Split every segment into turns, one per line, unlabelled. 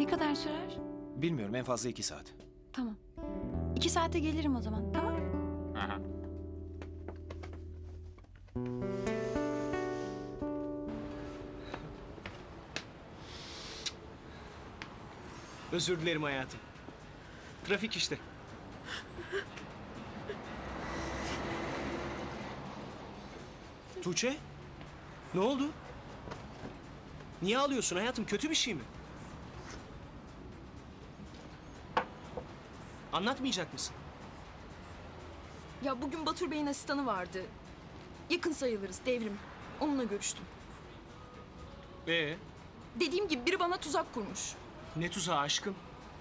Ne kadar sürer?
Bilmiyorum, en fazla 2 saat.
Tamam. 2 saate gelirim o zaman, tamam?
Aha.
Özür dilerim hayatım. Trafik işte. Tuğçe? Ne oldu? Niye ağlıyorsun hayatım? Kötü bir şey mi? Anlatmayacak mısın?
Ya bugün Batur Bey'in asistanı vardı. Yakın sayılırız, Devrim. Onunla görüştüm. Dediğim gibi biri bana tuzak kurmuş.
Ne tuzağı aşkım?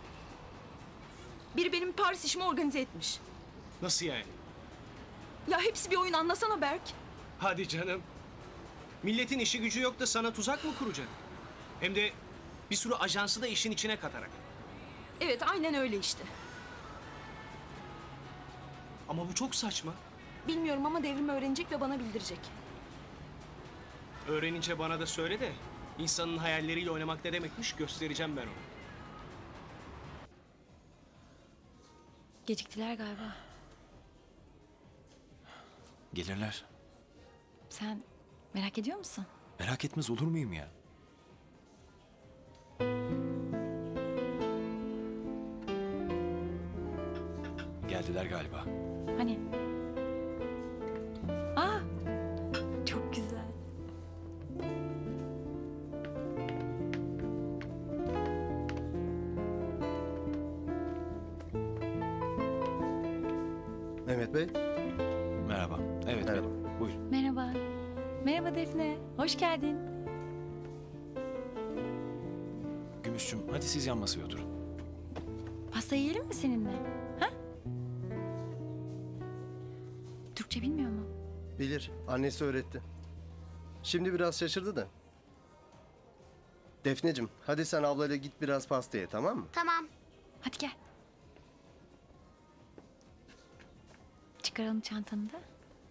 Biri benim Paris işimi organize etmiş.
Nasıl yani?
Ya hepsi bir oyun, anlasana Berk.
Hadi canım. Milletin işi gücü yok da sana tuzak mı kuracak? Hem de bir sürü ajansı da işin içine katarak.
Evet, aynen öyle işte.
Ama bu çok saçma.
Bilmiyorum ama Devrim öğrenecek ve bana bildirecek.
Öğrenince bana da söyle de insanın hayalleriyle oynamak ne demekmiş göstereceğim ben ona.
Geciktiler galiba.
Gelirler.
Sen merak ediyor musun?
Merak etmez olur muyum ya? Geldiler galiba.
Hani? Aa! Çok güzel.
Mehmet Bey.
Merhaba. Evet,
Merhaba.
benim. Buyur.
Merhaba. Merhaba Defne. Hoş geldin.
Gümüşçüm, hadi siz yan masaya oturun.
Pasta yiyelim mi seninle? Ha? Türkçe bilmiyor mu?
Bilir. Annesi öğretti. Şimdi biraz şaşırdı da. Defneciğim, hadi sen ablayla git biraz pasta ye, tamam mı?
Tamam.
Hadi gel. Çıkaralım çantanı da.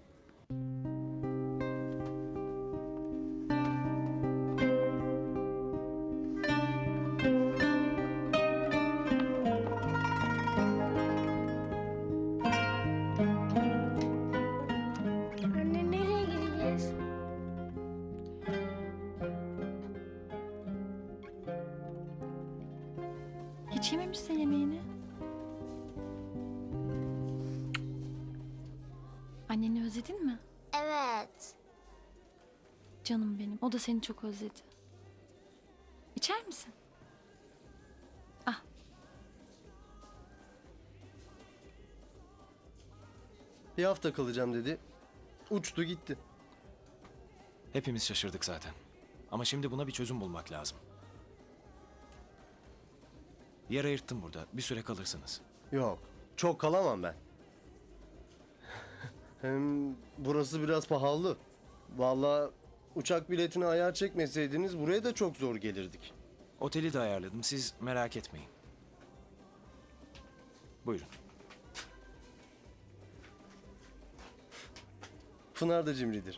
Anne nereye gideceğiz?
Hiç yememişsin yemeğini. Anneni özledin mi?
Evet.
Canım benim. O da seni çok özledi. İçer misin? Ah.
Bir hafta kalacağım dedi. Uçtu gitti.
Hepimiz şaşırdık zaten. Ama şimdi buna bir çözüm bulmak lazım. Yer ayırttım burada. Bir süre kalırsınız.
Yok, çok kalamam ben. Hem burası biraz pahalı. Vallahi uçak biletini ayar çekmeseydiniz buraya da çok zor gelirdik.
Oteli de ayarladım. Siz merak etmeyin. Buyurun.
Pınar da cimridir.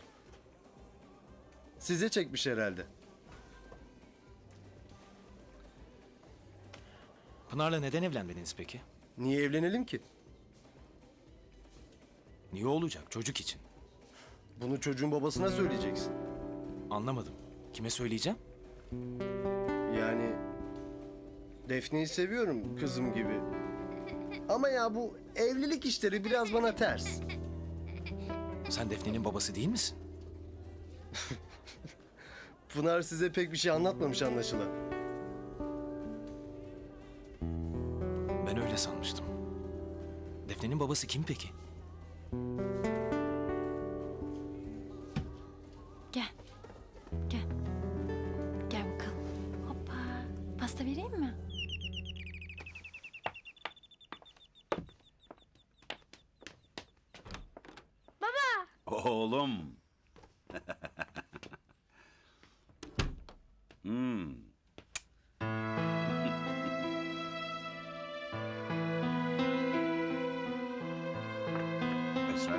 Size çekmiş herhalde.
Pınar'la neden evlenmediniz peki?
Niye evlenelim ki?
Niye olacak? Çocuk için.
Bunu çocuğun babasına söyleyeceksin.
Anlamadım. Kime söyleyeceğim?
Yani Defne'yi seviyorum kızım gibi. Ama ya bu evlilik işleri biraz bana ters.
Sen Defne'nin babası değil misin?
Pınar size pek bir şey anlatmamış anlaşılan.
Ben öyle sanmıştım. Defne'nin babası kim peki?
Gel. Gel. Gel bakalım. Hoppa. Pasta vereyim mi?
Oğlum. Esra.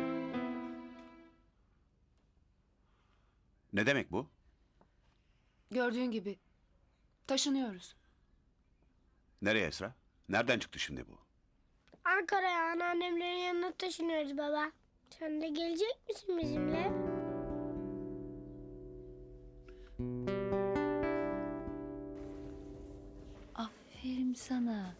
Ne demek bu? Gördüğün gibi taşınıyoruz.
Nereye Esra? Nereden çıktı şimdi bu?
Ankara'ya anneannemlerin yanına taşınıyoruz baba. Sen de gelecek misin bizimle?
Aferin sana.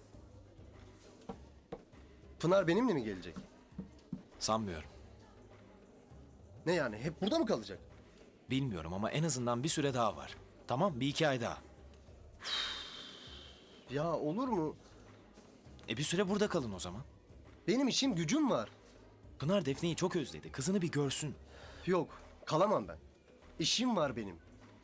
Pınar benimle mi gelecek?
Sanmıyorum.
Ne yani hep burada mı kalacak?
Bilmiyorum ama en azından bir süre daha var. Tamam, bir iki ay daha.
Ya olur mu?
Bir süre burada kalın o zaman.
Benim işim gücüm var.
Pınar Defne'yi çok özledi. Kızını bir görsün.
Yok kalamam ben. İşim var benim.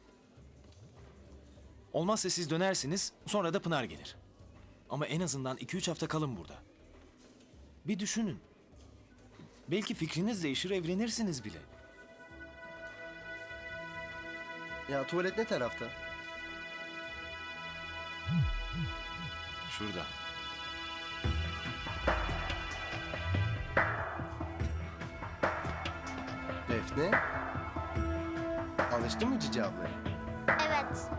Olmazsa siz dönersiniz, sonra da Pınar gelir. Ama en azından 2-3 hafta kalın burada. Bir düşünün. Belki fikriniz değişir, evlenirsiniz bile.
Ya tuvalet ne tarafta?
Şurada.
Defne. Alıştın mı Cici ablaya?
Evet.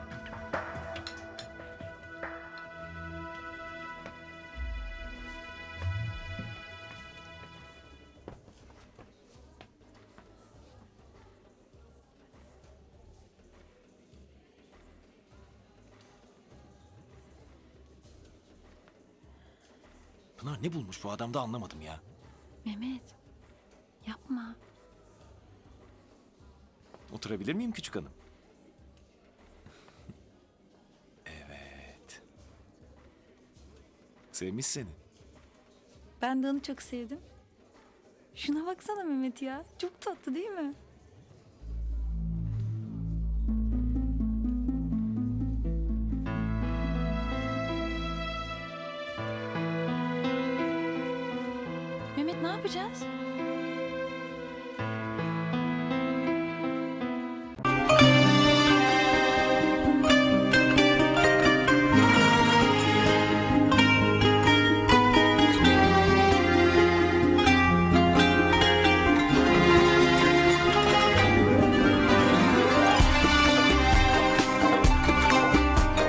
Pınar ne bulmuş bu adamda anlamadım ya.
Mehmet, yapma.
Oturabilir miyim küçük hanım? Evet. Sevmiş seni.
Ben de onu çok sevdim. Şuna baksana Mehmet ya. Çok tatlı değil mi? Mehmet ne yapacağız?